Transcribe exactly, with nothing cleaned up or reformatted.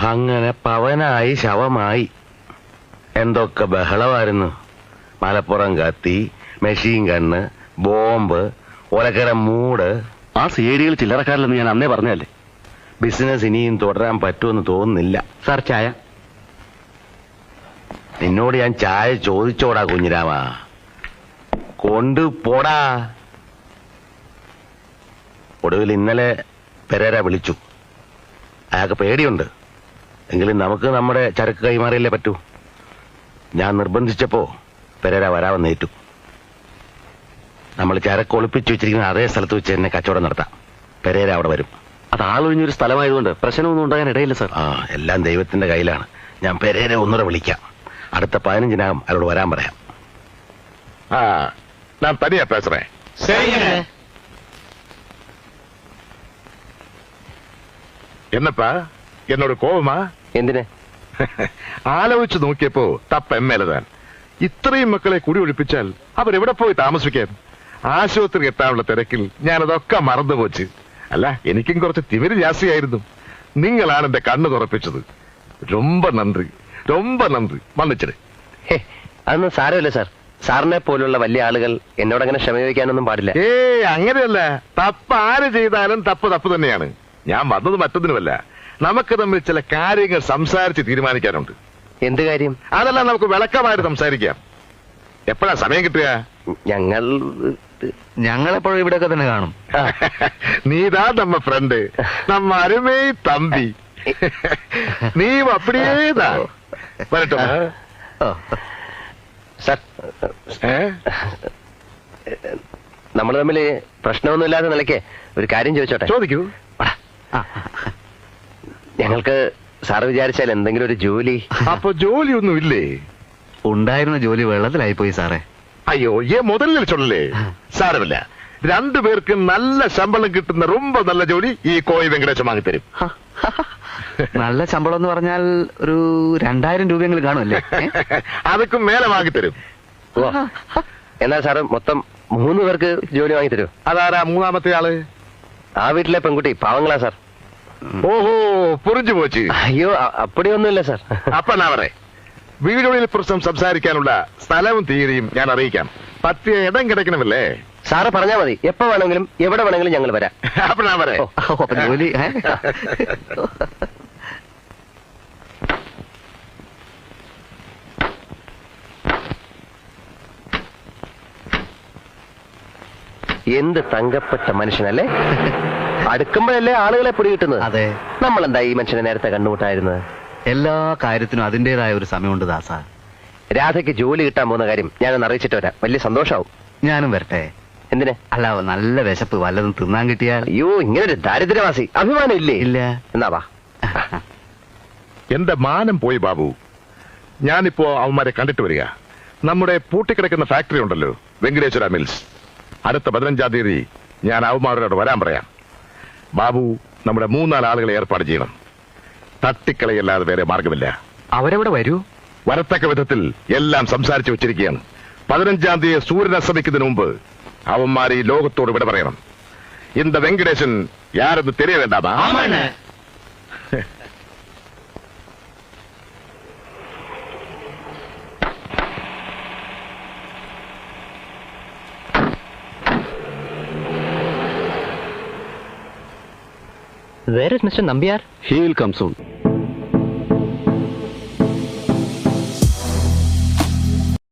അങ്ങനെ പവനായി ശവമായി. എന്തൊക്കെ ബഹളമായിരുന്നു. മലപ്പുറം കത്തി, മെഷീൻ കണ്ണ്, ബോംബ്, ഒലക്കര മൂട്. ആ സേഡികൾ ചില്ലറക്കാരില്ലെന്ന് ഞാൻ അന്നേ പറഞ്ഞല്ലേ. ബിസിനസ് ഇനിയും തുടരാൻ പറ്റുമെന്ന് തോന്നുന്നില്ല. സാർ ചായ. നിന്നോട് ഞാൻ ചായ ചോദിച്ചോടാ കുഞ്ഞിരാമ, കൊണ്ടുപോടാ. ഒടുവിൽ ഇന്നലെ പെരേര വിളിച്ചു. അയാൾക്ക് പേടിയുണ്ട്. എങ്കിലും നമുക്ക് നമ്മുടെ ചരക്ക് കൈമാറിയല്ലേ പറ്റൂ. ഞാൻ നിർബന്ധിച്ചപ്പോ പെരേര വരാമെന്നേറ്റു. നമ്മൾ ചരക്ക് ഒളിപ്പിച്ചു വെച്ചിരിക്കുന്ന അതേ സ്ഥലത്ത് വെച്ച് തന്നെ കച്ചവടം നടത്താം. പെരേര അവിടെ വരും. അത് ആളൊഴിഞ്ഞൊരു സ്ഥലമായതുകൊണ്ട് പ്രശ്നമൊന്നും ഉണ്ടാകാൻ ഇടയില്ല സാർ. ആ, എല്ലാം ദൈവത്തിന്റെ കയ്യിലാണ്. ഞാൻ പെരേര ഒന്നുകൂടെ വിളിക്കാം. അടുത്ത പതിനഞ്ചിനകം അവരോട് വരാൻ പറയാം. ആ, ഞാൻ തനിയാ പേசுறே. എന്നപ്പാ എന്നോട് കോപമാ? എന്തിനെ? ആലോചിച്ച് നോക്കിയപ്പോ തപ്പ എം എൽ എ താൻ. ഇത്രയും മക്കളെ കുടി ഒഴിപ്പിച്ചാൽ അവരെവിടെ പോയി താമസിക്കാൻ? ആശുപത്രി എത്താനുള്ള തിരക്കിൽ ഞാനതൊക്കെ മറന്നുപോച്ച്. അല്ല, എനിക്കും കുറച്ച് തിമിര് ജാസ്തിയായിരുന്നു. നിങ്ങളാണ് എന്റെ കണ്ണ് തുറപ്പിച്ചത്. ரொம்ப നന്ദി, ரொம்ப നന്ദി. മന്നിച്ചിട്. അതൊന്നും സാരമില്ല സാർ. സാറിനെ പോലുള്ള വലിയ ആളുകൾ എന്നോട് അങ്ങനെ ക്ഷമ ചോദിക്കാനൊന്നും പാടില്ല. ഏ അങ്ങനെയല്ല. തപ്പ് ആര് ചെയ്താലും തപ്പ് തപ്പ് തന്നെയാണ്. ഞാൻ വന്നത് മറ്റൊന്നിനുമല്ല. നമുക്ക് തമ്മിൽ ചില കാര്യങ്ങൾ സംസാരിച്ച് തീരുമാനിക്കാനുണ്ട്. എന്ത് കാര്യം? അതെല്ലാം നമുക്ക് വിളക്കമായിട്ട് സംസാരിക്കാം. എപ്പോഴാ സമയം കിട്ടുക? ഞങ്ങൾ ഞങ്ങളെപ്പോഴും ഇവിടെയൊക്കെ തന്നെ കാണും. നീതാ നമ്മ ഫ്രണ്ട്, നമ്മ അരുമേ തമ്പി. നീ അപ്പടിയേതാ വരട്ടോ. സാർ, നമ്മൾ തമ്മിൽ പ്രശ്നമൊന്നുമില്ലാത്ത നിലയ്ക്ക് ഒരു കാര്യം ചോദിച്ചോട്ടെ? ചോദിക്കൂ. ഞങ്ങൾക്ക് സാറ് വിചാരിച്ചാൽ എന്തെങ്കിലും ഒരു ജോലി. അപ്പൊ ജോലിയൊന്നും ഇല്ലേ? ഉണ്ടായിരുന്ന ജോലി വെള്ളത്തിലായി പോയി സാറേ. അയ്യോ, ഏ മുതലിൽ ചൊല്ലേ. സാരമില്ല, രണ്ടുപേർക്ക് നല്ല ശമ്പളം കിട്ടുന്ന ரொம்ப നല്ല ജോലി ഈ കോയി വെങ്കടേശൻ വാങ്ങിത്തരും. നല്ല ശമ്പളം എന്ന് പറഞ്ഞാൽ ഒരു രണ്ടായിരം രൂപയെങ്കിലും കാണുമല്ലേ? അതൊക്കെ മേലെ വാങ്ങിത്തരും. എന്നാൽ സാറ് മൊത്തം മൂന്ന് പേർക്ക് ജോലി വാങ്ങിത്തരൂ. അതാരാ മൂന്നാമത്തെ ആള്? ആ വീട്ടിലെ പെൺകുട്ടി പാവങ്ങളാ സാർ. ഓഹോ, പുറിഞ്ഞു പോച്ച്. അയ്യോ, അപ്പടിയൊന്നുമില്ല സാർ. അപ്പൊ ഞാൻ പറ, വീടുകളിൽ പ്രശ്നം സംസാരിക്കാനുള്ള സ്ഥലവും തീയതിയും ഞാൻ അറിയിക്കാം. പറ്റിയ ഇടം കിടക്കണമല്ലേ? സാറ് പറഞ്ഞാൽ മതി. എപ്പോ വേണമെങ്കിലും എവിടെ വേണമെങ്കിലും ഞങ്ങൾ വരാം. അപ്പൊ ഞാൻ പറയാം. അപ്പൊ ജോലി എന്ത് തങ്കപ്പെട്ട മനുഷ്യനല്ലേ. അടുക്കുമ്പോഴല്ലേ ആളുകളെ പിടികിട്ടുന്നത്. അതെ. നമ്മളെന്താ ഈ മനുഷ്യനെ നേരത്തെ കണ്ടുമുട്ടായിരുന്നത്? എല്ലാ കാര്യത്തിനും അതിന്റേതായ ഒരു സമയമുണ്ട് ദാസ. രാധയ്ക്ക് ജോലി കിട്ടാൻ പോകുന്ന കാര്യം ഞാനൊന്ന് അറിയിച്ചിട്ട് വരാം. വലിയ സന്തോഷാവും. ഞാനും വരട്ടെ? എന്തിനെ? അല്ല, നല്ല വിശപ്പ്, വല്ലതും തിന്നാൻ കിട്ടിയാൽ. അയ്യോ, ഇങ്ങനൊരു ദാരിദ്ര്യവാസി അഭിമാനം ഇല്ലേ? ഇല്ല. എന്നാ വാ. എന്റെ മാനം പോയി ബാബു. ഞാനിപ്പോ അവന്മാരെ കണ്ടിട്ട് വരിക. നമ്മുടെ പൂട്ടിക്കിടക്കുന്ന ഫാക്ടറി ഉണ്ടല്ലോ, വെങ്കടേശ്വര മിൽസ്. അടുത്ത പതിനഞ്ചാം തീയതി ഞാൻ അവന്മാരോട് വരാൻ പറയാം. ബാബു, നമ്മുടെ മൂന്നാല് ആളുകളെ ഏർപ്പാട് ചെയ്യണം. തട്ടിക്കളയല്ലാതെ വേറെ മാർഗമില്ല. അവരെവിടെ വരൂ? വരത്തക്ക വിധത്തിൽ എല്ലാം സംസാരിച്ചു വെച്ചിരിക്കുകയാണ്. പതിനഞ്ചാം തീയതി സൂര്യൻ അസ്തമിക്കുന്നതിന് മുമ്പ് അവന്മാർ ഈ ലോകത്തോട് വിട പറയണം. இந்த Venkatesan യാരെന്ന് തെരിയ വേണ്ടാമാ? Where is Mister Nambiar? He will come soon.